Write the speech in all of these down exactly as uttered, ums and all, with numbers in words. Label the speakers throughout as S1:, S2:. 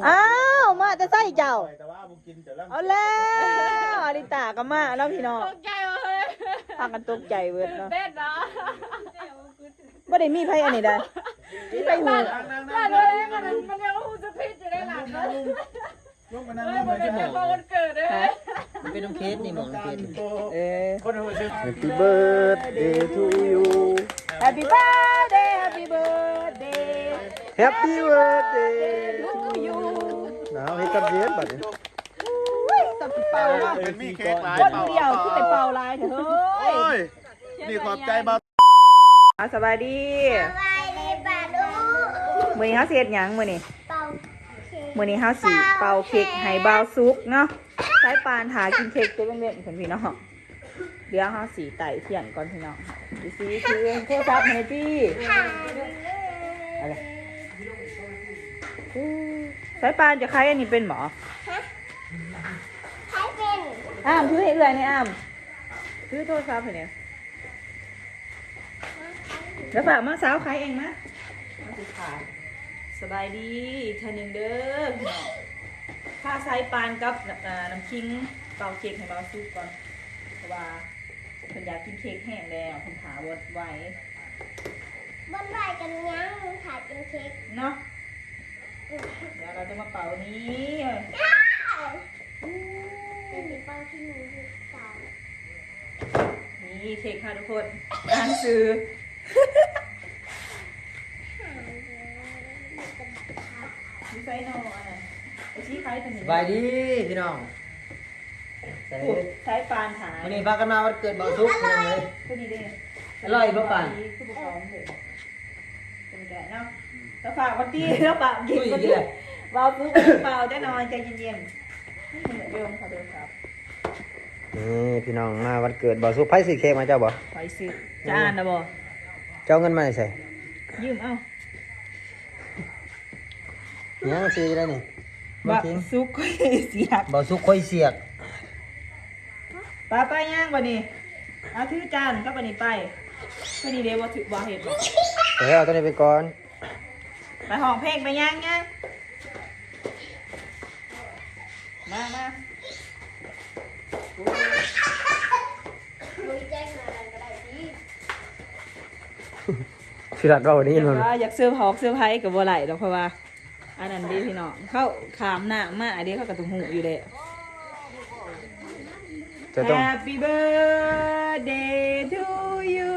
S1: อ้าวมาจะใส่เจ้าเอาแล้วอลิตาก็มาแล้วพี่น้องตกใจเลยพากันตกใจเวิร์ดเนาะไม่ได้มีไพ่อันนี้ได้มีไพ่หูได้เลยมันมันยังหูจะพิษอยู่ในหลังเลยลูกมันนั่งมันเป็นพอวันเกิดเลยมันเป็นน้องเคสนี่หมองน้องเคสเออ
S2: Happy birthday to you
S1: Happy birthday Happy birthday
S2: Happy birthday
S1: to you
S2: หนาวให้กับเย็นบัดนี้
S1: ตับเป่าว่า
S3: เป็นมีเค้กหลาย
S1: คนเดียวคือไปเป่าลายเถอะเฮ้ย
S3: นี่ขอบใจบ้า
S1: สบายดี
S4: สบายดีป่ะลูก
S1: มื้อนี้เฮาสิเฮ็ดหยังมื้อนี้
S4: เป่า
S1: มื้อนี้เฮาสิเป่าเค้กให้บ่าวสุกเนาะสายปานหากินเค้กตัวเล็กๆเพิ่นพี่น้องเดี๋ยวเฮาสิไต่เทียนก่อนพี่น้องดิสิคือโทรศัพท์ให้พี่อะไรสายปานจะใครอันนี้เป็นหมอ
S4: ใช้เป็น
S1: อ้ามถือให้เอื้อยนี่อ้ามถือโทรศัพท์ให้เนี่ยแล้วฝากมาสาวใครเองนะมาสิค่ะสบายดีอีกเท่านึงเด้อพี่น้องข้าสายปานกับน้ำคิงเป่าเค้กให้เบาซุปก่อนเพราะว่าเพิ่นอยากกินเค้กแห้งแล้วเพิ่นถาวดไว้
S4: บนไหวกันยังถ่ายเป็นเค้ก
S1: เนาะเดี๋ยวเราจะมาเป่านี้
S4: เป็นเป่าที่หนูสาว
S1: นี่เค้กค่ะทุกคนอ่านซื้อมีไซโนอ่ะไอชี้ใครเป็น
S5: สบายดีพี่น้องใส่
S1: ใช้ปานหา
S5: วันนี้พากันมาวันเกิดเบาทุกพี่น้องเลย
S1: คือดีเด้
S5: อร่อยป่ะปาน
S1: คือบุกของเลยเป็นแกเนาะแล้วฝากวันที่แล้วฝากกิน
S5: อุ้ย
S1: วัน
S5: ดี
S1: ที่
S5: เลย
S1: เบาซื้อเบาได้นอนใจเย็นๆเหมือนเดิมค่ะเดิมครับ
S2: นี่พี่น้องมาวันเกิดบ่สุไผสิเค้กมาเจ้าบ่
S1: ไปซื้อจะอ่านนะบ่
S2: เจ้าเงินมาใส่
S1: ยืมเอ้า
S2: เนี่ยมาซื้อได้นี่บ่
S1: บัก
S2: ทิ้ง
S1: ซุกเสียบ
S2: บ่สุค่อยเสียก
S1: ป้าไปย่างบ่นี่เอาถือจานก็บ่นี่ไปก็นี่เด้บ่ถือบ่เฮ็ดบ่
S2: เดี๋ยวเอาตัวนี้ไปก่อน
S1: ไปห้องเพลงไปย่างย่างมามา
S4: ลุยแจ้งอะไรก็ได้ที่
S2: สิรัดเราวันนี้
S1: อยาก
S2: มัน
S1: ว่าอยากซื้อฮอกซื้อไผก็บ่ไหลดอกเพราะว่าอันนั้นดีพี่น้องเข้าขามหน้ามาอันนี้เขาก็ต้องหูอยู่แล้ว
S2: จะต้อง
S1: Happy birthday to you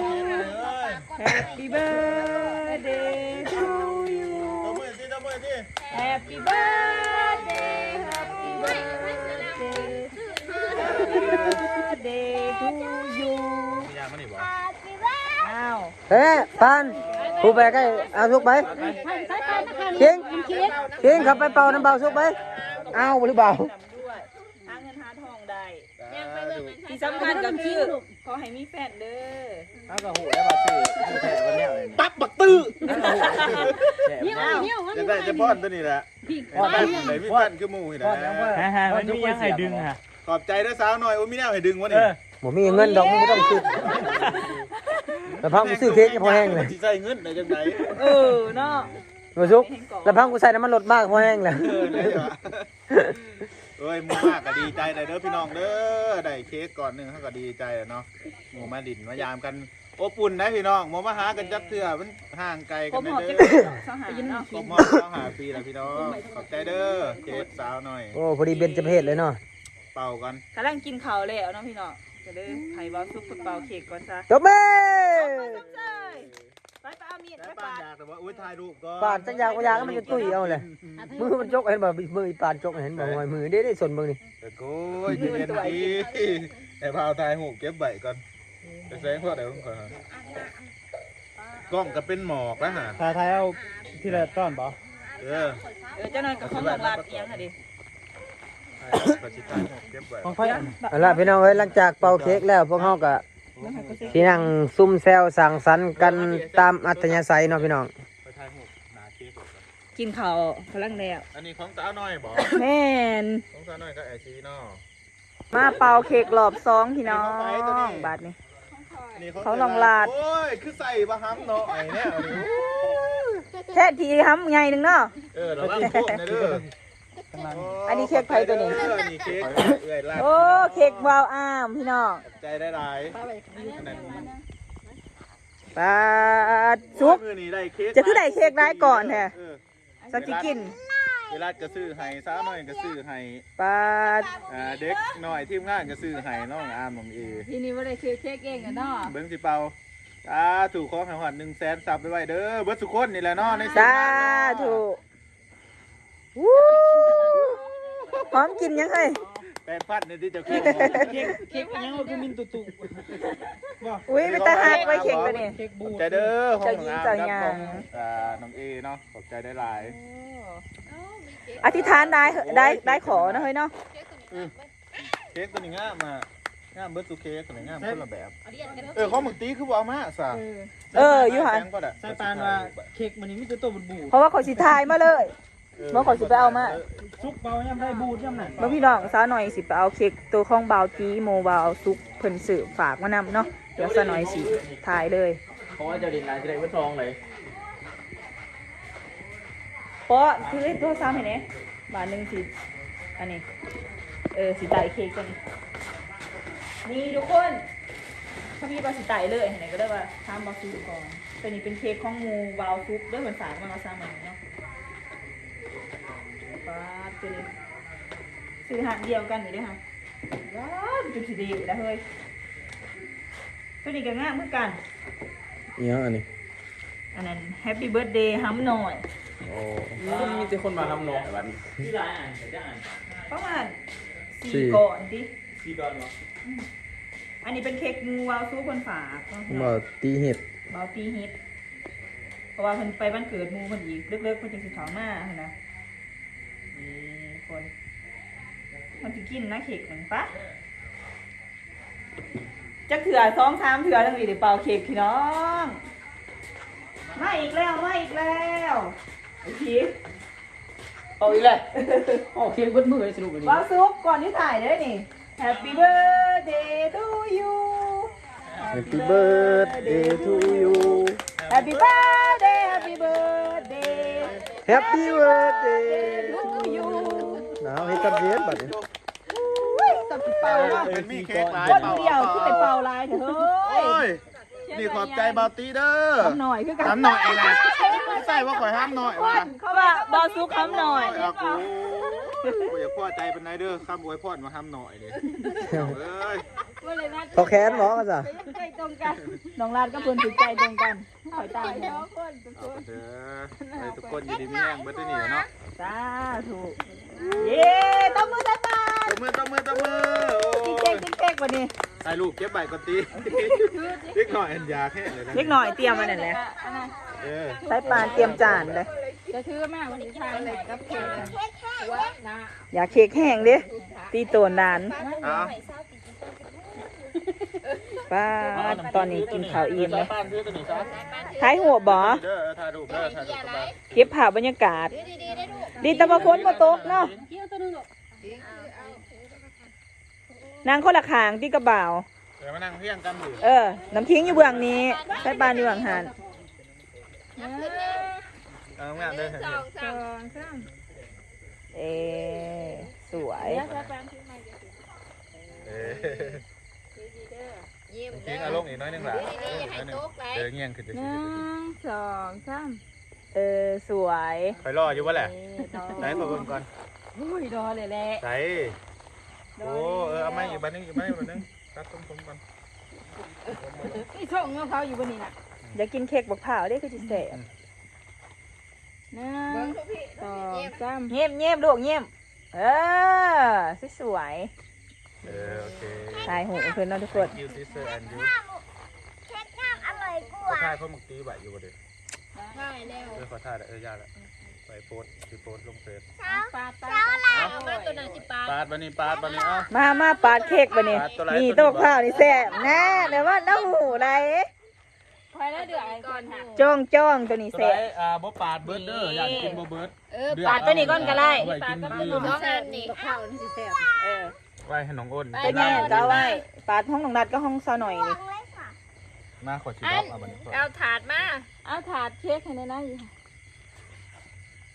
S1: Happy birthday to you
S3: ตัวมือที่ตัวมือที่
S1: Happy birthday Happy birthday Happy birthday to you
S3: มียางมันนี่บ่
S4: Happy birthday
S1: อ้าว
S2: เฮ้ปานผู้ไปใกล้เอาสุกไปเก่งเก่งขับไปเป่าน้ำเบาสุกไปเอาหรือเปล่า
S1: ด้วยหาเงินหาทองได้ที่สำคัญก็คือขอให้มีแฟนเด้อ
S2: เอาก็หูได้บ่ซื้อแท้วันนี้เลย
S3: ปั๊บบักตื้อ
S1: อ้าว
S3: จะได้จะป้อนตัวนี้แหละป้อนไหนพี่ปั้นคือหมูนี่แหละ
S6: ฮ่าๆมันมียังให้ดึงค่ะ
S3: ขอบใจด้วยสาวหน่อยโอ้มีแนวให้ดึงวะนี่
S2: บ่มีเงินดอกมึงบ่ต้องคิดแล้วพังกูซื้อเค้กพอแห้งเลย
S3: สิใส่เงินได้จังได
S1: เออเนาะ
S2: บ่สุกแล้วพังกูใส่น้ำมันลดมากพอแห้งเลย
S3: เออได้ว่ะเอ้ยหมูมากก็ดีใจได้เด้อพี่น้องเด้อได้เค้กก่อนหนึงเฮาก็ดีใจเนาะหมูมาดินมายามกันอบอุ่นนะพี่น้องหมูมาหากันจักเทื่อมันห่างไกล
S1: ผ
S3: กัน
S1: ม
S3: ได้
S1: หอบ
S3: เด้
S1: จะ
S3: อ
S1: สหายเนาะ
S3: ครบมอดต้องหาปีแล้วพี่น้องขอบใจเด้อเค้กสาวหน่อย
S2: โอ้พอดีเบญจเพศเลยเนาะ
S3: เป่ากัน
S1: กำลังกินข้าวแล้วเนาะพี่น้องจะได้ไข่บอลซุปเปาเค้กก่อนซะ
S2: จบแม่
S1: ไปไปเอามีด
S3: แต่
S1: ไป
S3: ป้า
S1: ปาด
S3: อยากแต่ว่าอุ้ยถ่ายรูปก็
S2: ปานจังยางก็ยางมันจะตุ้ยเอาเลยมือมันจกเห็นบ่มืออีปานจกเห็นบ่งอยมือเด้ได้ส่วนเบิ่งนี่
S3: แต่โก้ยเย็นๆดีไอ้พาวถ่ายหูปเก็บใบก่อนจะแสงพอเดี๋ยวก่อนฮะกล้องก็เป็นหมอกแล้วฮะ
S6: ถ่ายถ่ายเอาที่ละต้อนบ่
S3: เออ
S1: เออเจ้าหน่อยกับของหลอกลาดเอียงค่ะดิ
S3: ก็ชิถ่ายหูปเก็บใบ
S6: ของไฟอัน
S2: เอาล่ะพี่น้องเอ้ยหลังจากเป่าเค้กแล้วพวกเฮาก็สินั่งซุ่มแซวสังสรรค์กันตามอัธยาศัยเนาะพี่น้อง
S3: ไปถ่ายหูปหนาเค้กก่อน
S1: กินข้าวพลังแล้ว
S3: อันนี้ของสาวน้อยบอก
S1: แม่น
S3: ของสาวน้อยก็ไอซีเนาะ
S1: มาเป่าเค้กรอบสองพี่น้องบาทนี้
S3: อันนี้
S1: เขาลองลาด
S3: โอ้ยคือใส่บะฮัมเนาะไอ้เนี่ยอันนี้
S1: แค่ทีทำไงหนึ่งเนาะ
S3: เออระวังพวกนะเด้อ
S1: อันนี้เค้กไผ่ตัวนี้
S3: เออนี่เค้กเอื้อยลาด
S1: โอ้เค้กวาวอ้ามพี่น้อง
S3: ใจได้หลายอันนั้น
S1: ปลาซุก
S3: มื้อนี้ได้เค้ก
S1: จะคือได้เค้กร้ายก่อนแท้
S3: เออ
S1: สักสิกิน
S3: เวลาก็ซื้อให้สาวน้อยก็ซื้อให้
S1: ปลา
S3: อ่าเด็กน้อยทีมงานก็ซื้อให้น้องอามน้องเอ
S7: ทีนี้ว่าได้คือเค้กเองกันเนาะ
S3: เบิ่งสิเป่าอ่าถูกของให้ฮอดหนึ่งแสนซับไปไว้เด้อเบิดสุคนนี่แหละเนาะในทีม
S1: สาง
S3: านเนาะ
S1: ธุวู้หอมกินยังไง
S3: แปดพันนี่ที่เจะคิด
S6: เค้กเค้กยังว่าคือมินตุตุบ่
S1: อุ้ยไปตาหักไว้เค้กตัวนี้
S6: เค้กบู
S3: ขอบ
S6: ด
S3: ใจเด้อของน้องอาม
S1: เจ้า
S3: กับ
S1: หญิง
S3: ของ
S1: เจ้าหญิง
S3: อ่าน้องเอเนาะขอบใจได้หลาย
S1: อธิษฐานได้ได้ได้ขอนะเฮ้ยเนาะ
S3: เค้กตัวนี้งามมางามเบิดสุเค้กตัวนี้งามคนละแบบเออของมึงตีคือบ่เอามาซะ
S1: เอออยู่หัน
S3: แพงกว่าอะ
S6: ใส่ปานว่าเค้กมันนี่มีแต่ตัวบูดบูด
S1: เพราะว่าขอสิทายมาเลย เมื่อขอสิไปเอามา
S6: ซุกเบาย่ำได้บูดย่ำนั่น
S1: เมื่อพี่น้องสาวหน่อยสิไปเอาเค้กตัวของบาวจีโมบาวซุกเพิ่นสื่อฝากมานำเนาะเดี๋ยวสาวหน่อยสิถ่ายเลย
S5: เพราะว่าเจ้าดินนายจะได้วัดทองเลย
S1: เพราะซื้อตัวซ้ำเห็นไหมบาทหนึ่งสิอันนี้เออสิไต่เค้กตัวนี้นี่ทุกคนถ้าพี่บาสิไต่เลยเห็นไหมก็ได้ว่าทำบาวซุกก่อนตัวนี้เป็นเค้กของโมบาวซุกด้วยเพิ่นฝากมาเอาซ้ำมันเนาะป้าดตัวนี้ซื้อหันเดียวกันนี่ด้วยค่ะว้าวจุดสีดีแล้วเฮ้ยตัวนี้ก็ง่ายเหมือนกัน
S2: เนี่ยอันนี้
S1: อันนั้น Happy Birthday ฮัมหน่อย
S2: โอ้
S5: มีแต่คนมาทำนองแบบนี้
S1: ประมาณ
S2: สี่
S1: สี่ก่อนดิ
S5: ซีดอนเนาะ
S1: อันนี้เป็นเค้กงูวาวซูคนฝากเนาะ
S2: บ่ตีเห็ด
S1: บาวตีฮิตเพราะว่าเพิ่นไปบ้านเกิดหมูเพิ่นอีกเลิกๆเพิ่นจึงสิเขามาหั่นนะนี่คนมันสิกินนะเค้กมันปะจักเถื่อสองสามเถื่อทั้งนี้เดี๋ยวเป่าเค้กพี่น้องมาอีกแล้วมาอีกแล้วไอ้พี
S5: เอาอีกเลยโอ้เค้กเบิดมือเลยสรุปเลย
S1: วาวซุกก่อนที่ถ่ายเด้อนี่ Happy birthday to you
S2: Happy birthday to you
S1: Happy birthday Happy birthday
S2: Happy birthday
S1: to you
S2: หนาวให้กับเย็นบัดนี้
S1: อุ้ยตับสิเป่าเนาะ
S3: เป็นมีเค้กหลาย
S1: คน
S3: เป่า
S1: เดียวที่ไปเป่าลายเถอะเฮ้
S3: โอ้
S1: ย
S3: ยนี่ขอบใจบาวตีเด้อ
S1: ทำหน่อยคือกัน
S3: ทำหน่อยเองนะใส่ว่าข่อยห้ามหน่อยว่ะ
S1: เขาว่าบอซุกคำหน่อย
S3: เอากูกูอยากพ่อใจเป็นไงเด้อข้ามอวยพรมาห้ามหน่อยเลยเอ้ย
S7: ว่าเลยนะ
S2: เขาแค้นหมอกันจ้ะ
S7: ใจตรงกัน
S1: น้องลาดก็เพิ่นติดใจตรงกันขอยตาย
S7: เนาะคนทุกค
S3: เอา
S7: น
S3: เด้อให้ทุกคนอยู่ดีมีแรงเบิดตัวนี้เนาะ
S1: สาธุเย้ตบมือใส่ปาก
S3: ตบมือตบมือตบมือโอ้
S1: กินเค้กกินเค้กวันนี้
S3: ถ่ายรูปเก็บใบก่อนตีเล็กหน่อยอันยาแค่เลยนะ
S1: เล็กหน่อยเตรียมมานั่นแหละ
S7: อันนั้น
S3: เออ
S1: ใส่ปานเตรียมจานเลย
S7: จะถือมากวันนี้ทานไหนกับเค้กกัน
S4: เค้กแห้ง
S7: ว่านะ
S1: อยากเค้กแห้งดิตีโตนดาน
S3: เอา
S1: ป้าดตอนนี้กินข้าวอิ่มเลย
S3: ป้านซื้อตัวนี้ซะ
S1: ท้ายหัวบ่
S3: เด้อถ่ายรูปเด้อถ่ายรูปกันไป
S1: เก็บภาพบรรยากาศ ดีแต่ว่าฝนบ่ตกเนาะนางคนละขางที่กระบ่าว
S3: เดี๋ยวมานั่งเพียงกันอยู่
S1: เออ น้ำทิ้งอยู่เบื้องนี้ใส่ปานอยู่เบื้องหัน
S3: เอางานเด้อเห็น
S7: สองสาม
S1: เอสวย
S7: แล้วจะแปลงที่ใหม่
S3: เออ
S7: ยิ้ม
S3: ทิ้งอารมณ์อีกน้อยหนึงหล่ะเดี๋ยวเงี้ยงขึ้นจะ
S7: ห
S3: สิ
S7: นึ่งสองสาม
S1: เออสวย
S3: ไปรออยู่วะแหละไหนขอเบิ่งก่อน
S7: อุ้ยรอเลยแหละ
S3: ไหนโอ้เออเอามาอีกบันนึงอีกบันนึงบันนึงตัดต้มๆก่อน
S7: นี่ช่องเงาเขาอยู่บนนี้น่ะ
S1: อยากกินเค้กบักเผาวได้คือจิแสบ
S7: หนึ่งสองสาม
S1: เงียบเงียบลูกเงียบเออสวย
S3: เออโอเค
S1: ๆถ่ายหูเพื่อนเนาะทุกคน
S3: ยูซิสเตอร์แอนยู
S4: เค้กน้ำอร่อยก
S3: ขอ
S4: ว่า
S3: ถ่ายพ่อมึงตีใบอยู่บ่เด้
S7: ได้แล้ว
S3: เออขอถ่ายเออยากละไปโพสไปโพสลงเฟซ
S4: เช้า
S7: ปาดปา
S4: เช้า
S7: ด
S4: แล้ว
S7: มาตัวนั้นสิปาด
S3: ปาดบันนี้ปาดบันนี้เอ้า
S1: มามาปาดเค้กบะนี่
S3: ปาดตัวไร
S1: นี่
S3: ตั
S1: ตัว
S3: วนี้
S1: บักเผาวนี่แสบแน่เดี๋ยวว่าน้าหูไร
S7: คอยแล้วเดือดก่อนค่ะ
S1: จ้องจ้องตัวนี้
S3: ตัว
S1: แส
S3: ไร
S1: บ
S3: อ่าบ่ปาดเบิร์ดเด้ออยากกินบ่เบิร์ด
S7: เออ
S1: ปาดตัวนี้ก่อนก็ได้
S3: ไว้กิน
S7: ปาด
S3: ลื
S7: ก็
S3: ม
S7: น้องอันนี่ข้าวนี่สิแซ่บ
S1: เออ
S3: ไว้ให้น้องอ้น
S1: ตัวนี้ก็เอาไว้ปาดห้องน้องนัดก็ห้องซาหน่อยนี่
S3: มาขอชิดอกเอาบันนี้ก่อน
S7: เอาถาดมาเอาถาดเค้กให้ในนั้น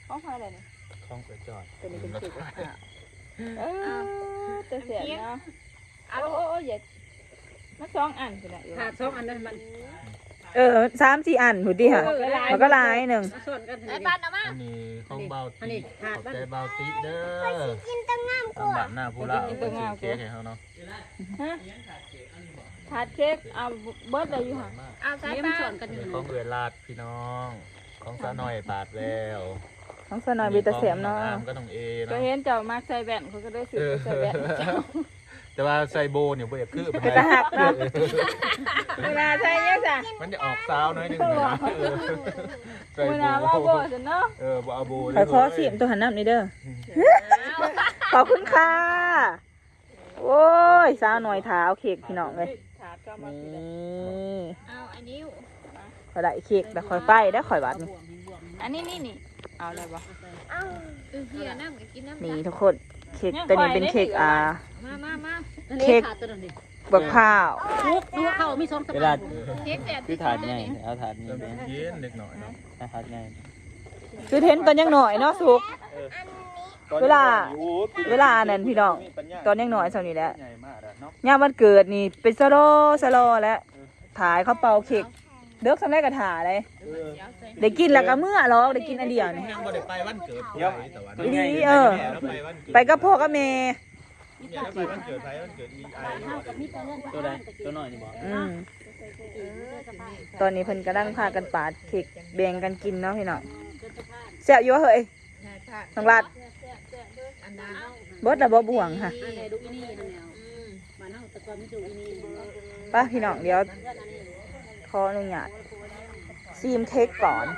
S7: ของใครอะไรนี่
S3: คล้องกระจอด
S7: ตัวนี้เป็นเค้กกับข้าวเออจะเสียเนาะโอ้โอ้โอ้อย่ามันสองอันสินะ
S6: ขาดสองอันนั้นมัน
S1: เออสามสี่อันหูดีค่ะมันก็ลายหนึ่ง
S6: ส่วนกัน
S7: ไอ้บ้านเอามา
S3: อันนี้ของเบา
S6: อัน
S3: ติ
S6: นี้
S3: ข
S6: ขาด
S3: อบ
S6: บ้าน
S3: ใจเบาติเด้อ
S4: กินตั้งงามก
S3: ตาม
S4: ว่า
S3: บ้านหน้าผู้ละเอาไปซื้อเค้กให้เขาเนาะ
S7: ฮะถาดเค้กเอาเบิร์ดเลยอยู่ห่ะเอาสาย
S6: เลี้ยง
S7: ปลา
S6: ส่วนกันอยู่
S3: ของเอือลาดพี่น้องของสาวน้อยปาดแล้ว
S1: น้องสนอยบีตาเสียมเนาะ
S3: ขององอามก็ต้องเอ
S7: ก็
S3: เนาะ
S7: เห็นเจ้ามาใส่แว่นเขาก็ได้ซื้อใส่แว่น
S3: แต่ว่าใส่โบเนี่ยบ่อยากคือ
S1: เป็นตาหักเนาะเวลาใช่ยังจ้ะ
S3: มันจะออกซาวน้อยหนึงนะเออใส่
S7: เว
S3: โบ
S7: ลาว่าโบจะเนาะ
S3: เออบ่เอาโบ
S1: ขอขอสิมตัวหันน้ำนี่เด้อขอบคุณค่ะโอ้ยสาวหน่อยถาเอาเค้กพี่น้องเลย
S7: ถาดก็มา
S1: นี่
S7: เอาอันนี้
S1: ขอได้เค้กแล้วคอยไปได้ข่อยบาดนี่
S7: อันนี้นี่นี่เอาอะไรบ่
S4: เอ้า
S7: เฮียน้ำกินน้ำ
S1: นี่ทุกคนเค้กตัวนี้เป็นเค้กอ่า
S7: มามามา
S1: เค้ก
S6: ขาดตัวนั้นดิ
S1: บักข้าว
S6: ลูกดูเขามีสองส
S2: เว
S6: ปา
S2: ลา
S7: เค้กแดด
S2: คือถาดใหญ่เอาถาดนี้
S3: เริ่ม
S2: แม่
S3: เย็นเล็กหน่อยเนาะ
S2: ถาดใหญ่
S1: คือเทนตอนยังหน่อยเนาะสุก เวลาเวลานั้นพี่น้องตอนยังหน่อยสาวนี้แหละ
S3: ใหญ่มากอะเนาะ
S1: ย่ามวันเกิดนี่เป็นสโลสโลแล้วถ่ายเขาเป่าเค้กเด็กสำเร็จกระถาเลย
S3: เออ
S1: ได้กินแล้วก็เมื่อหรอกได้กินอันเดียวนี่
S3: ยังบ่ได้ไปวันเกิดไผแต่ว่า
S1: ดีเออ
S3: แล้วไปวันเกิด
S1: ไปกับพ่อกับแม่
S3: เนี่ยแล้วไปวันเกิดไผวันเกิดอีไอ
S2: ตัวใดตัวน้อยนี่บ่
S1: อืมตอนนี้เพิ่นกำลังพากันปาดเค้กแบ่งกันกินเนาะพี่น้องแซ่บอยู่วะเฮ้ยน้องรัดเบิดละบ่บ่วงค่ะ
S6: อันไหนดูอีนี่นั่นแนวบ้านเฮาแต่ก่อนไม่ดูอีนี่
S1: ไป้าพี่น้องเดี๋ยวขออนุญาตซีมเค้กก่อน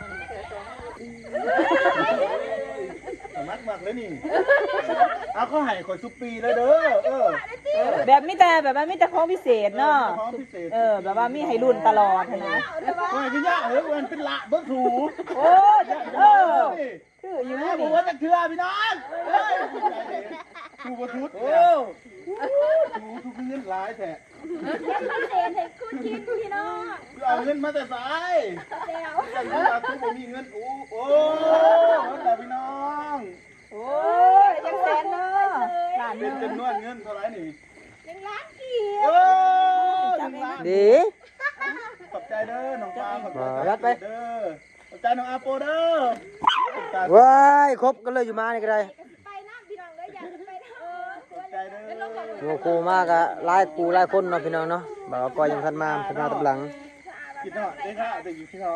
S3: มักมักเลยนี่เอาเขาให้ข่อยซุปปีแล้วเด้อเออเออ
S1: แบบมีแต่แบบว่ามีแต่ของพิเศษเนาะ
S3: ของพิเศษ
S1: เออแบบว่ามีให้รุ่นตลอดนะ
S3: โอ้ยพี่ย่าเฮ้ยมันเป็นละเบิ้งถู
S1: โอ้ยเออ
S3: คืออยู่นี่ผมว่าจะเชื่อพี่น้องเฮ้ยถูบทุดโอ้ถูทุกเงินหลายแท้
S4: เศษให้คุณกินพี่น้อง
S3: เอาเงินมาแต่สายเดี๋ยวเอาทุกผมมีเงินโอ้โอ้แต่พี่น้อง
S1: โอ้ยยังแสนเนาะหลาน
S3: เป็นจำนวนเงินเท่าไหร่นี่
S4: ยังล้านกี่
S3: โอ้หนึ่งล้าน
S1: ดี
S3: ขอบใจเด้อน้องปลาขอบใจเด้อขอบใจน้องอาโปเด้อ
S2: ว้ายครบกันเลยอยู่มานี่ก็ได้
S4: ไปน้ำพี่น้องเลยอยากจะไปน้ำเออ
S3: ขอบใจเด้อ
S2: โอ้โหมากอะหลายกูหลายคนเนาะพี่น้องเนาะบ่าวก็ยังทันมาทันมาตับหลัง
S3: กินหน่อยได้ค่ะจะกินพี่น้อง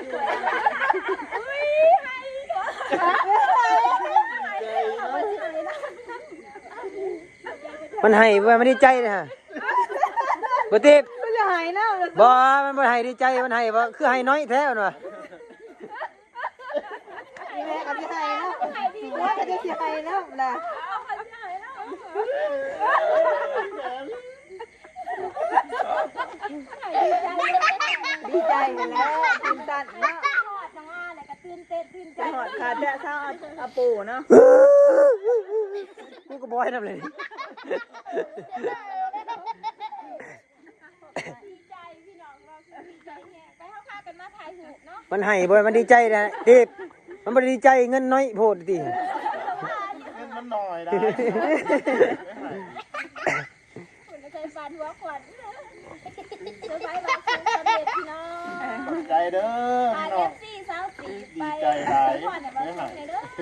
S2: มันให้บ่มันดีใจนะฮะบ่ติบ
S1: มันจะหายเนาะ
S2: บ่มันบ่ให้ดีใจมันให้บ่คือให้น้อยแท้มันว่ะ
S1: แม่กับพี่ไฮเนาะแม่กับพี่ไฮเนาะล่ะดีใจแล้วตื่นตันเนาะ
S4: หอดจังว่าอะไรก็ตื่นเต้นตื่นใจ
S1: จะหอดขาดแต่เช้าอาปูเนาะ
S2: กูก็บ่ให้นำเลย
S4: ดีใจพี่น้องเราดีใจแฮะไปเข้าพากันมาถ่ายหูเนาะ
S2: มันให้บ่มันดีใจนะติบมันบ่ได้ดีใจเงินน้อยโพดติ
S3: เงินมันหน่อยได้
S4: คุณจะใช้ฟันหัวขวัญเซอร์ไพรส์มาคุณสำเร็จพี่น้อง
S3: ขอบใจเด้อ
S4: พา
S3: พี่
S4: เอ
S3: น้อง
S4: ฟซีสาวสีไป
S3: ดีใจหลาย
S4: พ่อเนี่ยมาส่งในเด้อ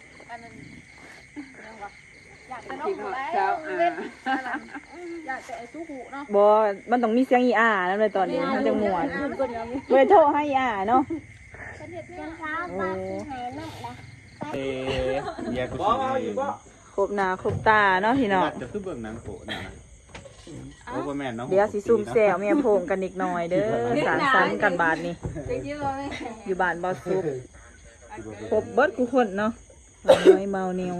S4: อยากจะน้องหูไอ้เล่นอยากจะไอ้สู้หูเนาะ
S1: บอมันต้องมีเสียงอีอาแล้วเลยตอนนี้มันจะม่วนเลยโทรให้อีอาเนาะ
S4: เป็นเห็ดเลี้ยงเช้าปลาสีหายน้ำละ
S3: เอ๊ะเดี๋ยวกูสิ
S1: ครบหน้าครบตาเนาะพี่น้อง
S3: จะคือเบิ่งหนังโปะนี่นะโอ้บ่แม่นเนาะ
S1: เดี๋ยวสิซุ่มแซวเมียโพงกันอีกหน่อยเด้อสารสันกันบาทนี่อยู่บ้านบอสุกครบเบิดกูคนเนาะน้อยเมาเหนียว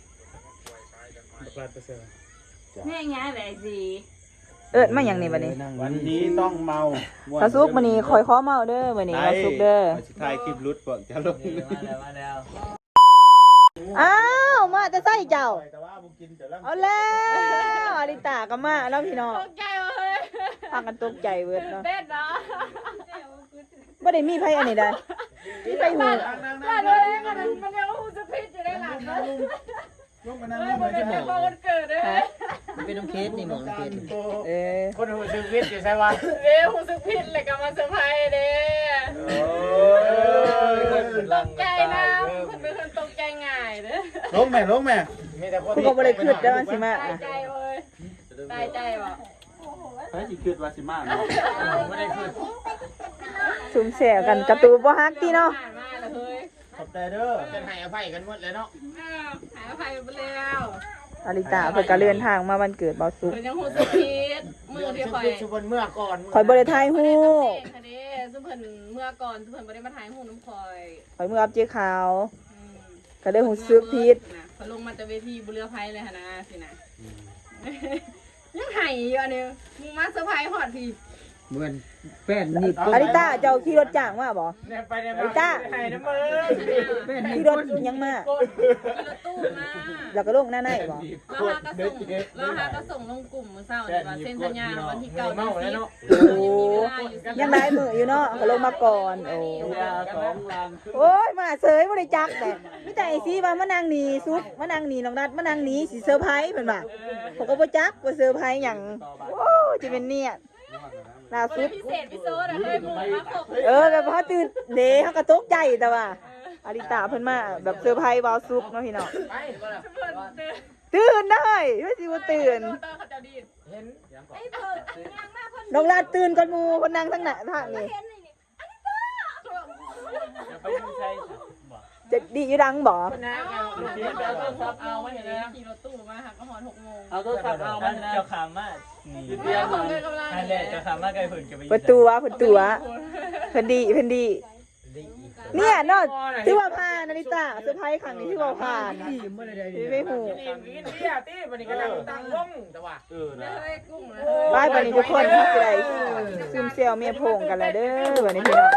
S7: แม่ง่ายแบบสิ
S1: เอิดมาอย่างนี้บัดนี้
S3: วันนี้ต้องเมา
S1: บอสุกมื้อนี้คอยขอเมาเด้อมื้อนี้บอสุกเด้อ
S3: สิถ่ายคลิปรุดเปิดจะลง
S2: มาแล้ว
S1: อ้าวมาจะใส่เจ้า
S3: แต่ว่าบ่กินจะลัง
S1: เอาแล้วอลิตาก็มาแล้วพี่น้อง
S7: ตกใจเลย
S1: พากันตกใจเบิดเนาะ
S7: เบ็ดเนาะ
S1: บ่ได้มีไผอันนี้ได้
S3: ม
S1: ที่ไปหู
S7: ว่าเลยมันมันยังหูจะพิษอยู่ในหลังเลย
S3: ลงมานั่ง
S7: เฮ้
S3: ล
S7: ย
S3: ง
S7: มั
S3: มาน
S7: เป็นพอวันเกิดเลย
S2: มันเป็นน้ำเคสนี่หมอน้ำเคส
S1: เออ
S6: คนหูซึกวิทย์อยู่ใช่ปะ
S7: เว้ยหูสึกพิษเลยกับมาเซอร์ไพรส์เด้
S3: โอ้ย
S7: ตกใจนะคุณเป็นคนตกใจง่ายเด้
S3: ลงแม่ลงแม่
S6: มีแต่คน
S1: คุณก็บ่ได้คิดได้ว่าสิมา
S7: ตายใจเว้ยตายใจบ่
S6: เฮ้ยสิคิดว่าสิมาเนาะไม่ได้คิด
S1: ซุ่มแซวกันกระตูบ่ฮักติเนาะ
S7: ผ่านมาแล้วเฮ้ย
S3: ขอบใจเด้อ
S6: จะให้อภัยกันหมดเลยเนาะ
S7: อ้าวหายอภัยไปแล้ว
S1: อาริตาเพิ่นก็เลื่อนทางมาวันเกิดเบาสุก
S7: เพิ่นยังหูสึกพิษมือที่ข่อย
S6: ชุบนเมื่อก่อน
S1: ข่อยบ่ได้ถ่ายรู
S7: บ่ได้
S1: ป
S7: ทำเองค่ะเด้ซึ่งเพิ่นเมื่อก่อนซึ่งเพิ่นบ่ได้มาถ่ายหูน้ำข่อย
S1: ข่อยมืออับเจ๊ขาว
S7: อืม
S1: ก็เลยหูซึกผิด
S7: นะเขาลงมาจากเวทีบุเรือไพเลยค่ะนะสินะยังไห้อยู่อันนี้มึงมาเซอร์ไพรส์ฮอดพี่
S2: เหมือนแป้นหนีบ
S1: อาริตาเจ้าขี่รถจ้างมาบ่
S6: เนี่ยไปเนี่ย
S1: ไอ้ต้า
S6: ให้น้ำมือ
S2: แป้นหนี
S1: ขี่
S2: บ
S1: รถยังมา
S7: ขี่รถตู้มา
S1: แล้วก็ลงหน้าไหนบ่
S7: แล้วหาก็ส่งแล้วหาก็ส่งลงกลุ่มมื้อเช้านี่ว่าเซ็นสัญญาวันที่เก้า
S6: เมาแล้วเนาะ
S1: โอ้ยังได้มืออยู่เนาะก็ลงมาก่อนโอ้
S6: สองลาง
S1: โอ้ยมาเสยบ่ได้จักแต่มีแต่ไอ้ซีว่ามานั่งนี่สุดมานั่งนี่น้องนัดมานั่งนี่สิเซอร์ไพรส์เพิ่นว่าผมก็บ่จักว่าเซอร์ไพรส์หยังโอ้จะเป็นเนี่ยล่าสุด
S7: พิเศษพิโซดอะเฮ้ยมึงมาครบ
S1: เออแบบพอตื่นเด้เฮาก็ตกใจแต่ว่าอาริตาเพิ่นมาแบบเซอร์ไพรส์เบาซุกเนาะพี่น้อง
S6: ไป
S7: เพิ่นเดิน
S1: ตื่นได้ไม่สิว่าตื่น
S7: โดนเขาจะดีด
S6: เห็น
S4: ไอ้เพิ่นยังมาเพิ่น
S1: น้องลาดตื่นก่อนหมู่เพิ่นนั่งทั้งหน้าทางนี่
S4: เห็นนี่นี่
S6: จะไปดูใช่
S1: จะดีอยู่ดังบ่
S6: คนนะเอาลูกเดียวเอาโทรศัพท์เอาไว้เห็นแล้ว
S7: ขี่รถตู้มาหักก็หอนหกโมง
S6: เอาโทรศัพท์เอาไว้นะ
S5: เจ้าขามมานี่
S6: เดียว
S7: ของเลยกำลัง
S5: นั่นแหละเจ้าขามมาไกลเพิ่นก็ไป
S1: เปิดตัวเปิดตัวเพิ่นดีเพิ่นดีเนี่ยเนาะที่ว่าผ่านนาริตาเซอร์ไพรส์ครั้งนี้ที่ว่าผ่านที่ไม่หู
S6: กินอิ่มกินเที่ยตี้วันนี้กำลังตั้งวงแต่ว่า
S3: เออนะ
S7: เฮ้ยกุ้งนะ
S1: บายบัดนี้ทุกคนที่สิได้ซึมเซลเมียโพงกันแล้วเด้อบัดนี้พี่น้อง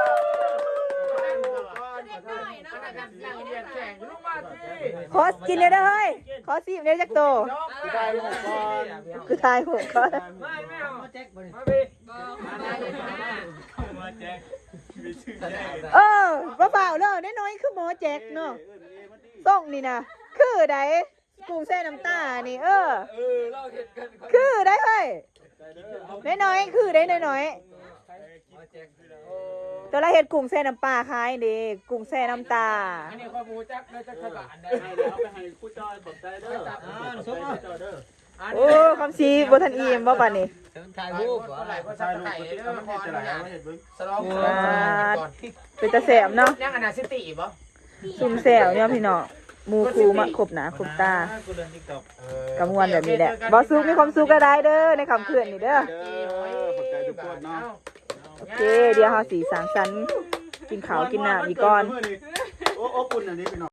S1: ขอกินเด้อเฮ้ยขอสิบเด้อจักโต
S3: คือได้ลูกก่อน
S1: คือทายหัวก็
S6: ไม่ไม่เอาแจ็คมาไป
S7: บอกมาได้เลยนะ
S5: มาแจ็คมีชื่อแจ็ค
S1: เออบ่เบาๆเด้อน้อยๆคือหมอแจ็คเนาะส่งนี่นะคือใดกุ้งแซ่น้ำตานี่ เออ
S6: เออเราเห็นกัน
S1: คือได้เฮ้ยน้อยๆคือได้น้อยๆตัวละเฮ็ดกุ้งแซ่น้ำปลาขายเด้กุ้งแซ่น้ำตา
S6: อันนี้ข้อมูลจักได้จักขบานได้
S5: ให้แล้วไปให้ผู้จอยขอบใจเด้อ
S3: อ่าสมเจ้าเด้อ
S1: โอ้คำซีบ่ทันอิ่มบ่บัดนี้
S2: ถ่ายรูป
S6: เท่าไหร่ก็
S3: ใช่
S6: ใช่
S3: ลูก
S6: ไข่
S3: มัน
S6: เด้อ
S3: มัน
S6: พอ
S3: จะ
S6: แล้
S3: ไหล
S6: ว
S3: ไม่เห็นเบิ่ง
S6: สลองสลองก่อน
S1: เป็นตาแสบเนาะ
S6: ยังอนาซิตี้บ่
S1: ซุ่มแซวเนี่ยพี่น้องหมู่ครูมาครบหน้าครบตา
S5: กูเรียน TikTok
S1: กำมวนแบบนี้แหละบ่สุขมีความสุขก็ได้เด้อในคำคืนนี่เด้อ
S3: เด้อขอบใจทุกคนเนาะ
S1: โอเค เดี๋ยวเฮาสีสังสรรค์กินข้าวกินน้ำอีกก่อน
S3: โอ้โอ้ปุ่นอันนี้พี่น้อง